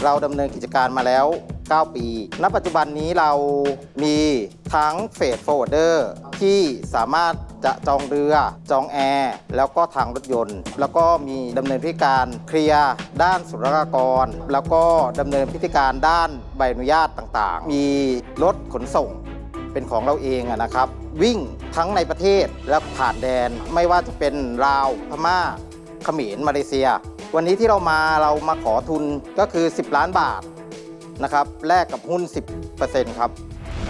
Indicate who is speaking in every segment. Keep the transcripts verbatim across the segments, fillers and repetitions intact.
Speaker 1: เราดำเนินกิจการมาแล้วเก้าปีณปัจจุบันนี้เรามีทั้งเฟรตฟอร์เวิร์ดเดอร์ที่สามารถจะจองเรือจองแอร์แล้วก็ทางรถยนต์ แล้วก็มีดำเนินพิธีการเคลียร์ด้านศุลกากรแล้วก็ดำเนินพิธีการด้านใบอนุญาตต่างๆ มีรถขนส่งเป็นของเราเองนะครับ วิ่งทั้งในประเทศและผ่านแดนไม่ว่าจะเป็นลาวพม่าเขมรมาเลเซีย วันนี้ที่เรามาเรามาขอทุนก็คือสิบล้านบาทนะครับแลกกับหุ้น สิบเปอร์เซ็นต์ ครับ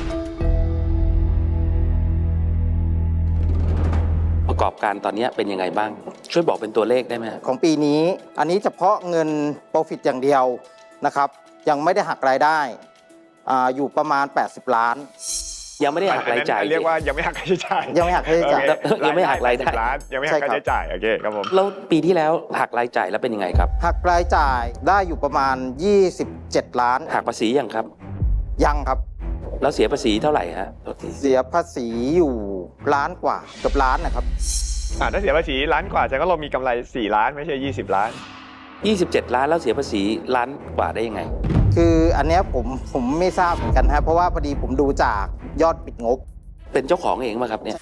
Speaker 2: ประกอบการตอนนี้เป็นยังไงบ้างช่วยบอกเป็นตัวเลขได้ไหม
Speaker 1: ของปีนี้อันนี้เฉพาะเงิน Profit อย่างเดียวนะครับยังไม่ได้หักรายได้ อ, อยู่ประมาณแปดสิบล้าน
Speaker 2: ยังไม่ได้หักรายจ่าย
Speaker 3: เรียกว่ายังไม่หักค่าใช้จ่าย
Speaker 1: ยังไม่หักค่าใช้จ่าย
Speaker 2: ยังไม่หักรายได้
Speaker 3: ยังไม่หักค่าใช้จ่ายโอเคครับผม
Speaker 2: แล้วปีที่แล้วหักรายจ่ายแล้วเป็นยังไงครับ
Speaker 1: หักรายจ่ายได้อยู่ประมาณยี่สิบเจ็ดล้าน
Speaker 2: หักภาษียังครับ
Speaker 1: ยังครับ
Speaker 2: แล้วเสียภาษีเท่าไหร่ฮะ
Speaker 1: เสียภาษีอยู่ล้านกว่าเกือบล้านนะครับ
Speaker 3: อ่าถ้าเสียภาษีล้านกว่าแสดงว่าเรามีกำไรสี่ล้านไม่ใช่ยี่สิบล้าน
Speaker 2: ยี่สิบเจ็ดล้านแล้วเสียภาษีล้านกว่าได้ยังไง
Speaker 1: คืออันนี้ผมผมไม่ทราบเหมือนกันครับเพราะว่าพอดีผมดูจากยอดปิดงบ
Speaker 2: เป็นเจ้าของเองมาครับเนี่ย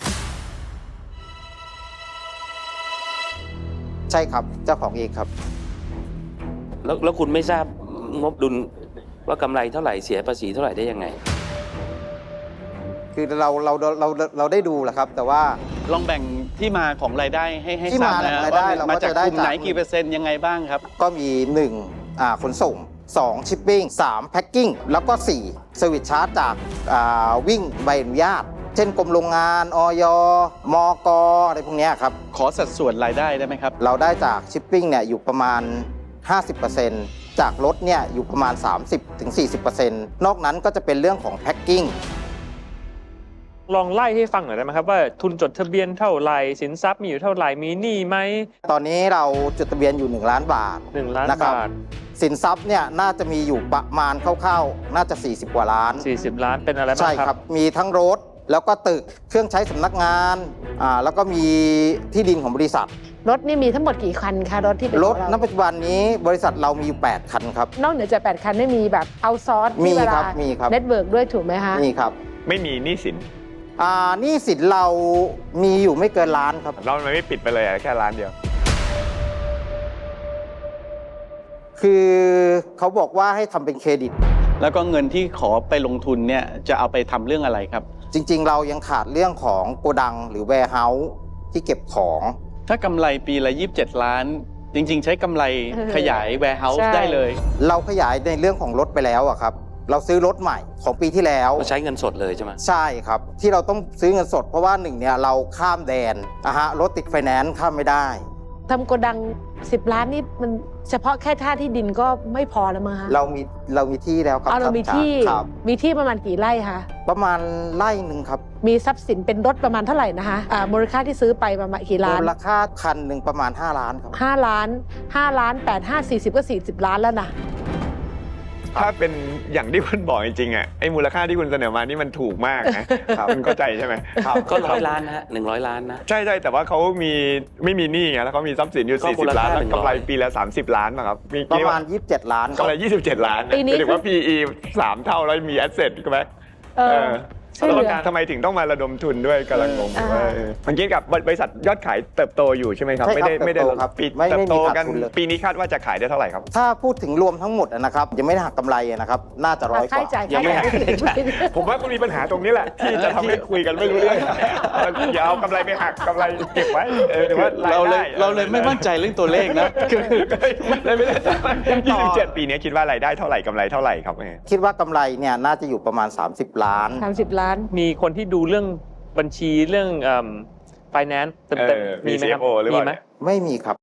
Speaker 1: ใช่ครับเจ้าของเองครับ
Speaker 2: แล้วแล้วคุณไม่ทราบงบดุลว่ากำไรเท่าไหร่เสียภาษีเท่าไหร่ได้ยังไง
Speaker 1: คือเราเราเราเราได้ดูแหละครับแต่ว่า
Speaker 4: ลองแบ่งที่มาของรายได้ให้ให้ทราบนะว่ามาจากกลุ่มไหนกี่เปอร์เซ็นต์ยังไงบ้างครับ
Speaker 1: ก็มีหนึ่งอ่าขนส่งสองชิปปิ้งสามแพ็คกิ้งแล้วก็สี่เซอร์วิสชาร์จจากอ่าวิ่งใบอนุญาตเช่นกรมโรงงานอย มก.อะไรพวกนี้ครับ
Speaker 4: ขอสัดส่วนรายได้ได้ไหมครับ
Speaker 1: เราได้จากชิปปิ้งเนี่ยอยู่ประมาณ ห้าสิบเปอร์เซ็นต์ จากรถเนี่ยอยู่ประมาณ สามสิบถึงสี่สิบเปอร์เซ็นต์ นอกนั้นก็จะเป็นเรื่องของแพ็คกิ้ง
Speaker 5: ลองไล่ให้ฟังหน่อยได้ไหมครับว่าทุนจดทะเบียนเท่าไหร่สินทรัพย์มีอยู่เท่าไหร่มีหนี้ไหม
Speaker 1: ตอนนี้เราจดทะเบียนอยู่หนึ่งล้านบาท
Speaker 5: หนึ่งล้านบาท
Speaker 1: สินทรัพย์เนี่ยน่าจะมีอยู่ประมาณคร่าวๆน่าจะสี่สิบกว่าล้าน
Speaker 5: สี่สิบล้านเป็นอะไรบ้างครับ
Speaker 1: ใช่ครับมีทั้งรถแล้วก็ตึกเครื่องใช้สำนักงานอ่าแล้วก็มีที่ดินของบริษัท
Speaker 6: รถนี่มีทั้งหมดกี่คันคะรถที่เป็น
Speaker 1: รถณปัจจุบันนี้บริษัทเรามีอยู่แปดคันครับ
Speaker 6: นอกเหนือจากแปดคันได้มีแบบเอาซอร์ส
Speaker 1: มีครับมีครับ
Speaker 6: เน็ตเวิร์กด้วยถูกไหมคะ
Speaker 1: มีครับ
Speaker 3: ไม่มีหนี้สิน
Speaker 1: อ่าหนี้สินเรามีอยู่ไม่เกินล้านครับ
Speaker 3: เราไม่ปิดไปเลยแค่ล้านเดียว
Speaker 1: คือเขาบอกว่าให้ทำเป็นเครดิต
Speaker 4: แล้วก็เงินที่ขอไปลงทุนเนี่ยจะเอาไปทำเรื่องอะไรครับ
Speaker 1: จริงๆเรายังขาดเรื่องของโกดังหรือแวร์เฮาส์ที่เก็บของ
Speaker 4: ถ้ากำไรปีละยี่สิบเจ็ดล้านจริงๆใช้กำไรขยายแวร์เฮาส์ได้เลย
Speaker 1: เราขยายในเรื่องของรถไปแล้วอะครับเราซื้อรถใหม่ของปีที่แล้ว
Speaker 2: ใช้เงินสดเลยใช่ไหม
Speaker 1: ใช่ครับที่เราต้องซื้อเงินสดเพราะว่าหนึ่งเนี่ยเราข้ามแดนอะฮะรถติดไฟแนนซ์ข้ามไม่ได้
Speaker 6: ทำโกดังสิบล้านนี่มันเฉพาะแค่ท่าที่ดินก็ไม่พอแล้วมั้งคะ
Speaker 1: เรามีเรามีที่แล้วครับ
Speaker 6: เรามีที่มีที่ประมาณกี่ไร่คะ
Speaker 1: ประมาณไร่หนึ่งครับ
Speaker 6: มีทรัพย์สินเป็นรถประมาณเท่าไหร่นะคะอ่ามูลค่าที่ซื้อไปประมาณกี่ล้าน
Speaker 1: มูลค่าคันหนึ่งประมาณห้าล้านครับ
Speaker 6: ห้าล้านห้าล้านแปด ห้า สี่สิบก็สี่สิบล้านแล้วนะ
Speaker 3: ถ้าเป็นอย่างที่คุณบอกจริงๆอ่ะไอ้มูลค่าที่คุณเสนอมานี่มันถูกมากนะคุณเข้าใจใช่ไหม
Speaker 2: ครับก็ร้อยล้านนะฮะหนึ่งร้อยล้านนะ
Speaker 3: ใช่ใช่แต่ว่าเขามีไม่มีหนี้ไงแล้วเขามีทรัพย์สินอยู่สี่สิบล้านแล้วกำไรปีละสามสิบล้านนะครับ
Speaker 1: ประมาณยี่สิบเจ็ดล้าน
Speaker 3: กำไรยี่สิบเจ็ดล้าน
Speaker 6: ปีนี้
Speaker 3: ถือว่า พี อี สามเท่าแล้วมีแอสเซทใช่ไหมเออทำไมถึงต้องมาระดมทุนด้วยกำลังงงว่าเมื่อกี้กับบริษัทยอดขายเติบโตอยู่ใช่ไหมครับไม่ได้ไม่ได้ปิดเติบโตกันปีนี้คาดว่าจะขายได้เท่าไหร่ครับ
Speaker 1: ถ้าพูดถึงรวมทั้งหมดนะครับยังไม่ได้หักกำไรนะครับน่าจะร้อยกว่า
Speaker 6: ยังไม่หัก
Speaker 3: ผมว่าคุณมีปัญหาตรงนี้แหละที่จะทำให้คุยกันไม่รู้เรื่องอย่าเอากำไรไปหักกำไรเก็บไว้
Speaker 4: เราเลยเราเลยไม่มั่นใจเรื่องตัวเลขนะคือ
Speaker 3: ไม่ได้ยี่สิบเจ็ดปีนี้คิดว่ารายได้เท่าไหร่กำไรเท่าไหร่ครับ
Speaker 1: คิดว่ากำไรเนี่ยน่าจะอยู่ประมาณสามสิบล้าน
Speaker 6: สามสิบล้าน
Speaker 5: มีคนที่ดูเรื่องบัญชีเรื่องเอ่อ finance เต็มๆมีไหมครับ
Speaker 3: มีไหม
Speaker 1: ไม่มีครับ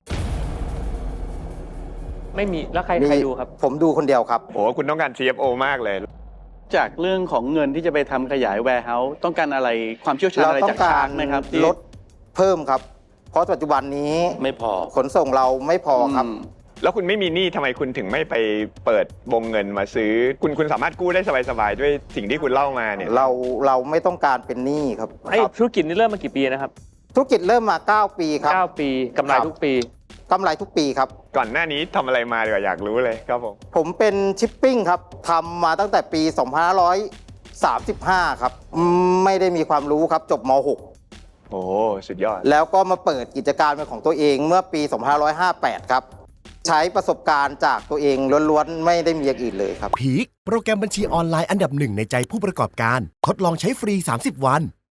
Speaker 5: ไม่มีแล้วใครใครดูครับ
Speaker 1: ผมดูคนเดียวครับ
Speaker 3: โอ้คุณต้องการ ซี เอฟ โอ มากเลย
Speaker 4: จากเรื่องของเงินที่จะไปทำขยาย warehouse ต้องการอะไรความเชี่ยวชาญอะไรจากทางไหมครับ
Speaker 1: ลดเพิ่มครับเพราะปัจจุบันนี้
Speaker 2: ไม่พอ
Speaker 1: ขนส่งเราไม่พอครับ
Speaker 3: แล้วคุณไม่มีหนี้ทำไมคุณถึงไม่ไปเปิดวงเงินมาซื้อคุณคุณสามารถกู้ได้สบายๆด้วยสิ่งที่คุณเล่ามาเนี่ย
Speaker 1: เราเราไม่ต้องการเป็นหนี้ครับ
Speaker 5: ไอ้ธุรกิจนี่เริ่มมากี่ปีนะครับ
Speaker 1: ธุรกิจเริ่มมาเก้าปีครับ
Speaker 5: เก้าปีกำไรทุกปี
Speaker 1: กำไรทุกปีครับ
Speaker 3: ก่อนหน้านี้ทำอะไรมาดีกว่าอยากรู้เลยครับผม
Speaker 1: ผมเป็นชิปปิ้งครับทำมาตั้งแต่ปี สองพันห้าร้อยสามสิบห้า ครับอืมไม่ได้มีความรู้ครับจบม หก
Speaker 3: โอ้สุดยอด
Speaker 1: แล้วก็มาเปิดกิจการเป็นของตัวเองเมื่อปี สองพันห้าร้อยห้าสิบแปด ครับ ใช้ประสบการณ์จากตัวเองล้วนๆ ไม่ได้มีอย่างอื่นเลยครับ
Speaker 7: พีคโปรแกรมบัญชีออนไลน์อันดับหนึ่งในใจผู้ประกอบการ ทดลองใช้ฟรี สามสิบ วัน